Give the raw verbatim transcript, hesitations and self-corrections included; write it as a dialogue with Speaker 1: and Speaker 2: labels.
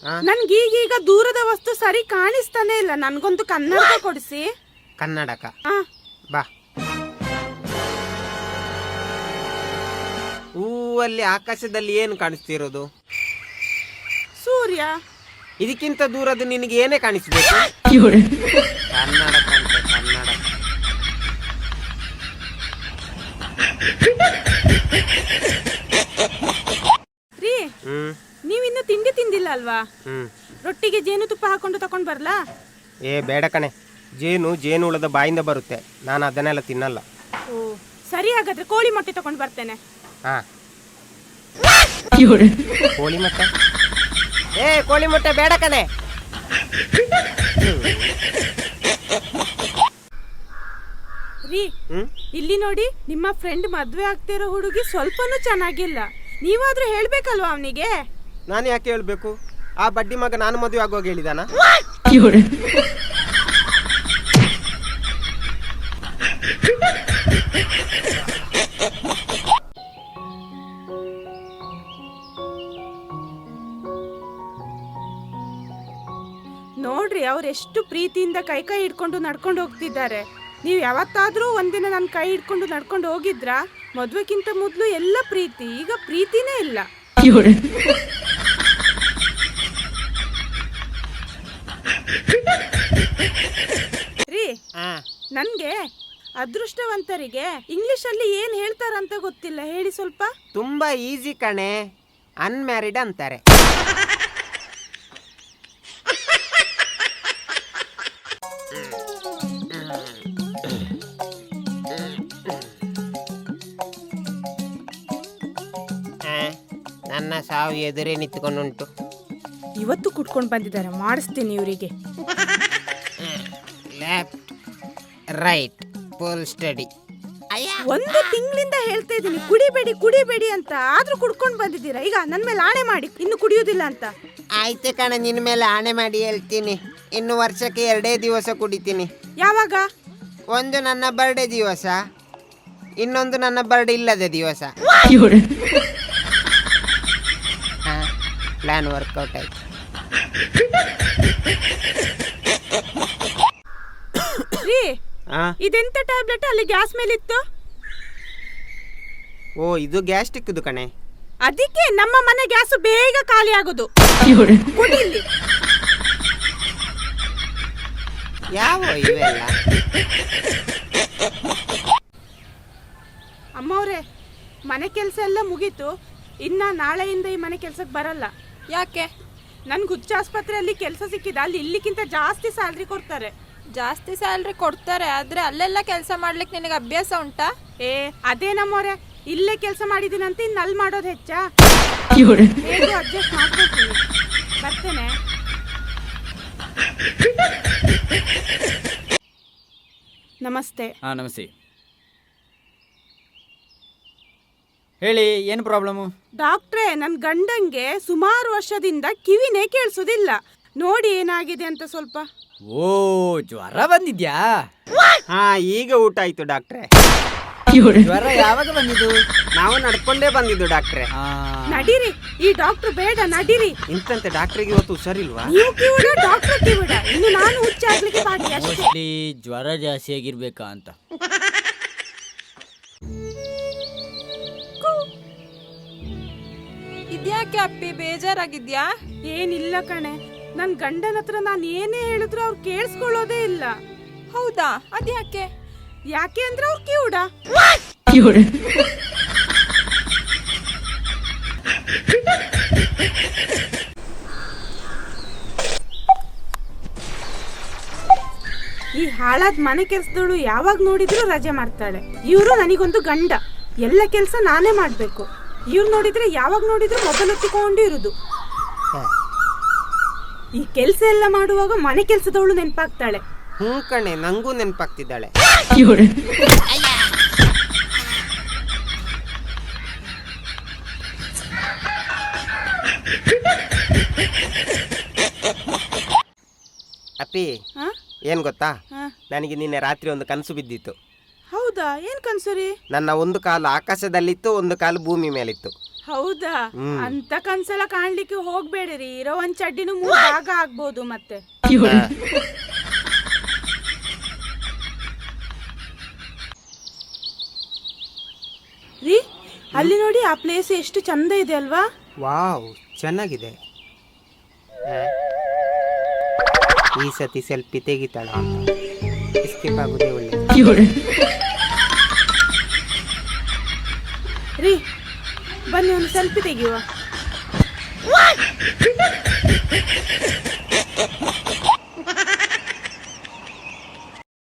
Speaker 1: ನನ್ಗೆ ಈಗೀಗ ದೂರದ ವಸ್ತು ಸರಿ ಕಾಣಿಸ್ತಾನೆ ಇಲ್ಲ. ನನ್ಗೊಂದು ಕನ್ನಡಕ ಕೊಡಿಸಿ.
Speaker 2: ಕನ್ನಡಕ
Speaker 1: ಆ,
Speaker 2: ಬಾ. ಹೂವಲ್ಲಿ ಆಕಾಶದಲ್ಲಿ ಏನು ಕಾಣಿಸ್ತಿರೋದು?
Speaker 1: ಸೂರ್ಯ.
Speaker 2: ಇದಕ್ಕಿಂತ ದೂರದ್ದು ನಿನಗೆ ಏನೇ ಕಾಣಿಸ್ಬೇಕು? ಕನ್ನಡಕ ಅಂತ, ಕನ್ನಡಕ.
Speaker 1: ರೀ,
Speaker 2: ಹ್ಮ್
Speaker 1: ನೀವಿನ್ನು ತಿಂಡಿ ತಿಂದಿಲ್ಲ ಅಲ್ವಾ?
Speaker 2: ಹ್ಮ್
Speaker 1: ರೊಟ್ಟಿಗೆ ಜೇನುತುಪ್ಪ ಹಾಕೊಂಡು ತಕೊಂಡ್ ಬರ್ಲಾ?
Speaker 2: ಏ ಬೇಡ ಕಣೆ, ಜೇನು ಜೇನು ಹುಳದ ಬಾಯಿಂದ ಬರುತ್ತೆ, ನಾನು ಅದನ್ನೆಲ್ಲ ತಿನ್ನಲ್ಲ.
Speaker 1: ಓ ಸರಿ, ಹಾಗಾದ್ರೆ ಕೋಳಿ ಮೊಟ್ಟೆ ತಕೊಂಡ್ ಬರ್ತೇನೆ.
Speaker 2: ಹಾ, ಕೋಳಿ ಮೊಟ್ಟೆ? ಏ ಕೋಳಿ ಮೊಟ್ಟೆ ಬೇಡ ಕಣೆ.
Speaker 1: ರೀ,
Speaker 2: ಹ್ಮ್
Speaker 1: ಇಲ್ಲಿ ನೋಡಿ, ನಿಮ್ಮ ಫ್ರೆಂಡ್ ಮದ್ವೆ ಆಗ್ತಿರೋ ಹುಡುಗಿ ಸ್ವಲ್ಪನೂ ಚೆನ್ನಾಗಿಲ್ಲ. ನೀವಾದ್ರೂ ಹೇಳ್ಬೇಕಲ್ವಾ ಅವನಿಗೆ?
Speaker 2: ನಾನು ಯಾಕೆ ಹೇಳ್ಬೇಕು? ಆ ಬಡ್ಡಿ ಮಗ ನಾನು ಮದುವೆ ಆಗುವಾಗ ಹೇಳಿದಾನ?
Speaker 1: ನೋಡ್ರಿ, ಅವ್ರು ಎಷ್ಟು ಪ್ರೀತಿಯಿಂದ ಕೈ ಕೈ ಹಿಡ್ಕೊಂಡು ನಡ್ಕೊಂಡು ಹೋಗ್ತಿದ್ದಾರೆ. ನೀವು ಯಾವತ್ತಾದ್ರೂ ಒಂದಿನ ನನ್ನ ಕೈ ಹಿಡ್ಕೊಂಡು ನಡ್ಕೊಂಡು ಹೋಗಿದ್ರಾ? ಮದ್ವೆಕ್ಕಿಂತ ಮೊದಲು ಎಲ್ಲ ಪ್ರೀತಿ, ಈಗ ಪ್ರೀತಿನೇ ಇಲ್ಲ. ರೀ, ನನ್ಗೆ ಅದೃಷ್ಟವಂತರಿಗೆ ಇಂಗ್ಲಿಷ್ ಅಲ್ಲಿ ಏನ್ ಹೇಳ್ತಾರಂತ ಗೊತ್ತಿಲ್ಲ, ಹೇಳಿ ಸ್ವಲ್ಪ.
Speaker 2: ತುಂಬಾ ಈಸಿ ಕಣೆ, ಅನ್ಮ್ಯಾರಿಡ್ ಅಂತಾರೆ. ನನ್ನ ಸಾವು ಎದುರೇ ನಿಂತ್ಕೊಂಡುಂಟು.
Speaker 1: ಇವತ್ತು ಕುಟ್ಕೊಂಡು ಬಂದಿದ್ದಾರೆ, ಮಾಡಿಸ್ತೀನಿ ಇವರಿಗೆ.
Speaker 2: Left right full study.
Speaker 1: ಒಂದು ತಿಂಗಳಿಂದ ಹೇಳ್ತಾ ಇದ್ದೀನಿ ಕುಡಿಬೇಡಿ ಕುಡಿಬೇಡಿ ಅಂತ, ಆದ್ರೂ ಕುಡ್ಕೊಂಡು ಬಂದಿದ್ದೀರಾ. ಈಗ ನನ್ನ ಮೇಲೆ ಆಣೆ ಮಾಡಿ ಇನ್ನು ಕುಡಿಯೋದಿಲ್ಲ ಅಂತ.
Speaker 2: ಆಯ್ತು ಕಣ, ನಿನ್ನ ಮೇಲೆ ಆಣೆ ಮಾಡಿ ಹೇಳ್ತೀನಿ, ಇನ್ನು ವರ್ಷಕ್ಕೆ ಎರಡೇ ದಿವಸ ಕುಡಿತೀನಿ.
Speaker 1: ಯಾವಾಗ?
Speaker 2: ಒಂದು ನನ್ನ ಬರ್ಡೇ ದಿವಸ, ಇನ್ನೊಂದು ನನ್ನ ಬರ್ಡೇ ಇಲ್ಲದ ದಿವಸ. ಪ್ಲಾನ್ ವರ್ಕೌಟ್ ಆಯ್ತು.
Speaker 1: ರೀ, ಇದೆಂತ ಟ್ಯಾಬ್ಲೆಟ್ ಅಲ್ಲಿ ಗ್ಯಾಸ್ ಮೇಲೆ ಇತ್ತು?
Speaker 2: ಓ, ಇದು ಗ್ಯಾಸ್ಟ್ರಿಕ್ದು ಕಣೆ.
Speaker 1: ಅದಕ್ಕೆ ನಮ್ಮ ಮನೆ ಗ್ಯಾಸ್ ಬೇಗ ಖಾಲಿ ಆಗೋದು. ಕುಡಿಲಿ.
Speaker 2: ಯಾವ ಇವೆಲ್ಲ?
Speaker 1: ಅಮ್ಮವ್ರೆ, ಮನೆ ಕೆಲಸ ಎಲ್ಲ ಮುಗೀತು. ಇನ್ನ ನಾಳೆಯಿಂದ ಈ ಮನೆ ಕೆಲ್ಸಕ್ಕೆ ಬರಲ್ಲ.
Speaker 3: ಯಾಕೆ?
Speaker 1: ನನ್ಗೆ ಹುಚ್ಚ ಆಸ್ಪತ್ರೆಯಲ್ಲಿ ಕೆಲಸ ಸಿಕ್ಕಿದ, ಅಲ್ಲಿ ಇಲ್ಲಿಕ್ಕಿಂತ ಜಾಸ್ತಿ ಸ್ಯಾಲ್ರಿ ಕೊಡ್ತಾರೆ.
Speaker 3: ಜಾಸ್ತಿ ಸ್ಯಾಲ್ರಿ ಕೊಡ್ತಾರೆ, ಆದ್ರೆ ಅಲ್ಲೆಲ್ಲ ಕೆಲಸ ಮಾಡ್ಲಿಕ್ಕೆ ನಿನಗೆ ಅಭ್ಯಾಸ ಉಂಟಾ?
Speaker 1: ಏ ಅದೇ ನಮ್ಮವ್ರೆ, ಇಲ್ಲೇ ಕೆಲಸ ಮಾಡಿದ್ದೀನಂತ ಇನ್ನು ಅಲ್ಲಿ ಮಾಡೋದು ಹೆಚ್ಚಾ? ಹೇಗೂ ಅಡ್ಜಸ್ಟ್ ಮಾಡ್ಕೊಳ್ತೀನಿ. ಬರ್ತೇನೆ. ನಮಸ್ತೆ.
Speaker 4: ಹಾಂ ನಮಸ್ತೆ. ಹೇಳಿ, ಏನು ಪ್ರಾಬ್ಲಮ್ಮು?
Speaker 1: ಡಾಕ್ಟ್ರೇ, ನನ್ನ ಗಂಡಂಗೆ ಸುಮಾರು ವರ್ಷದಿಂದ ಕಿವಿನೇ ಕೇಳಿಸೋದಿಲ್ಲ. ನೋಡಿ ಏನಾಗಿದೆ ಅಂತ ಸ್ವಲ್ಪ.
Speaker 4: ಓ, ಜ್ವರ ಬಂದಿದ್ಯಾ?
Speaker 2: ಹಾ, ಈಗ ಊಟ ಆಯ್ತು ಡಾಕ್ಟ್ರೆ.
Speaker 4: ಜ್ವರ ಯಾವಾಗ ಬಂದಿದ್ದು?
Speaker 2: ನಾವು ನಡ್ಕೊಂಡೇ ಬಂದಿದ್ದು ಡಾಕ್ಟ್ರೆ.
Speaker 1: ನಡೀರಿ, ಈ ಡಾಕ್ಟರ್ ಬೇಡ, ನಡೀರಿ.
Speaker 2: ಇಂತಂತೆ ಡಾಕ್ಟ್ರಿಗೆ ಇವತ್ತು ಹುಷಾರಿಲ್ವಾ?
Speaker 1: ನೀವು ಕಿವಿಡ, ಡಾಕ್ಟರ್ ಕಿವಿಡ. ಇನ್ನು ನಾನು ಹುಚ್ಚಾಗ್ಲಿಕ್ಕೆ ಬಾಕಿ ಅಷ್ಟೇ.
Speaker 4: ಮೋಸ್ಟ್ಲಿ ಜ್ವರ ಜಾಸ್ತಿ ಆಗಿರ್ಬೇಕಾ ಅಂತ.
Speaker 3: ಇದ್ಯಾಕೆ ಅಪ್ಪಿ, ಬೇಜಾರಾಗಿದ್ಯಾ?
Speaker 1: ಏನಿಲ್ಲ ಕಣೆ, ನನ್ ಗಂಡನ ಹತ್ರ ನಾನು ಏನೇ ಹೇಳಿದ್ರು ಅವ್ರು ಕೇಳಿಸ್ಕೊಳ್ಳೋದೇ ಇಲ್ಲ.
Speaker 3: ಹೌದಾ? ಅದ್ಯಾಕೆ?
Speaker 1: ಯಾಕೆ ಅಂದ್ರೆ ಅವ್ರು ಕಿವುಡ. ಈ ಹಾಳಾದ ಮನೆ ಕೆಲ್ಸದವಳು ಯಾವಾಗ ನೋಡಿದ್ರು ರಜೆ ಮಾಡ್ತಾಳೆ. ಇವರು ನನಗೊಂದು ಗಂಡ, ಎಲ್ಲ ಕೆಲಸ ನಾನೇ ಮಾಡ್ಬೇಕು. ಇವ್ರು ನೋಡಿದ್ರೆ ಯಾವಾಗ ನೋಡಿದ್ರು ಮೊಬೈಲ್ ಹೊತ್ತಿಕೊಂಡು ಇರುದು. ಈ ಕೆಲಸ ಎಲ್ಲ ಮಾಡುವಾಗ ಮನೆ ಕೆಲಸದವಳು ನೆನಪಾಗ್ತಾಳೆ.
Speaker 2: ಹ್ಞೂ ಕಣೆ, ನಂಗೂ ನೆನಪಾಗ್ತಿದ್ದಾಳೆ. ಅಪ್ಪಿ, ಏನ್ ಗೊತ್ತಾ, ನನಗೆ ನಿನ್ನೆ ರಾತ್ರಿ ಒಂದು ಕನಸು ಬಿದ್ದಿತ್ತು.
Speaker 1: ಹೌದಾ? ಏನ್ ಕನ್ಸು ರೀ?
Speaker 2: ನನ್ನ ಒಂದು ಕಾಲು ಆಕಾಶದಲ್ಲಿತ್ತು, ಒಂದು ಕಾಲು ಭೂಮಿ ಮೇಲಿತ್ತು.
Speaker 1: ಹೌದಾ
Speaker 2: ಹ್ಮ್.
Speaker 1: ಅಂತ ಕನ್ಸಲ ಕಾಣ್ಲಿಕ್ಕೆ ಹೋಗ್ಬೇಡಿರಿ, ಇರೋ ಒಂದ್ ಚಡ್ಡಿನೂ ಮೂರ್ ಭಾಗ ಆಗ್ಬೋದು ಮತ್ತೆ. ರೀ ಅಲ್ಲಿ ನೋಡಿ, ಆ ಪ್ಲೇಸ್ ಎಷ್ಟು ಚಂದ ಇದೆ ಅಲ್ವಾ?
Speaker 2: ವಾವ್, ಚೆನ್ನಾಗಿದೆ. ಈ ಸತಿ ಸೆಲ್ಫಿ ತೆಗಿತಾಳ ಅಂತ ಎಸ್ಕೇಪ್ ಆಗೋದೇ ಒಳ್ಳೆ.
Speaker 1: ರೀ ಬನ್ನಿ ಒಂದು ಸೆಲ್ಫಿ ತೆಗೆಯುವ.